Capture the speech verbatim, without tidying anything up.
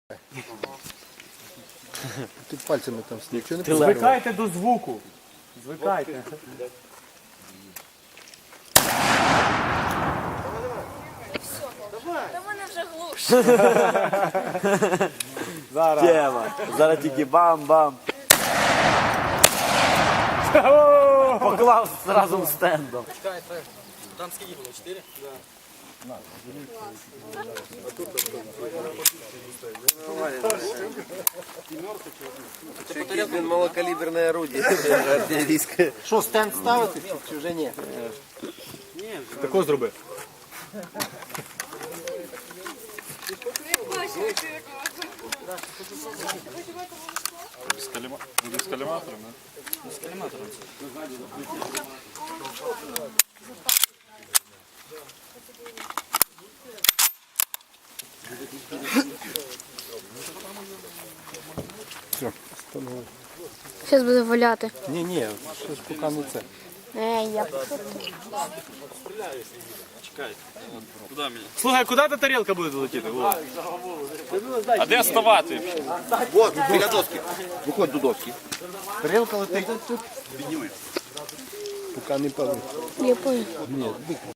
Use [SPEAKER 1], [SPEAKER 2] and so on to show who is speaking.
[SPEAKER 1] Ти пальцями там нічого не
[SPEAKER 2] Звикайте до звуку. Звикайте.
[SPEAKER 3] Та мене вже глуш.
[SPEAKER 2] Зараз.
[SPEAKER 4] Тема. Зараз тільки бам-бам. Поклав разом з стендом.
[SPEAKER 5] Там скільки було? Чотири?
[SPEAKER 1] Він малокаліберне орудие артилерійське. Що, стенд ставити чи вже ні?
[SPEAKER 2] Тако зроби.
[SPEAKER 6] Буде з каліматором, да?
[SPEAKER 5] З каліматором.
[SPEAKER 3] Зараз буде валяти.
[SPEAKER 1] Ні, ні, що ж поки не це.
[SPEAKER 3] Ей, я
[SPEAKER 5] Куди мені?
[SPEAKER 2] Слухай, куди та тарілка буде долетіти? Во.
[SPEAKER 6] А де ставати?
[SPEAKER 1] Вот, біля доски. Виходь до доски. Тарілка летить. Підніми. Поки не пали.
[SPEAKER 3] я понял.
[SPEAKER 1] Ні,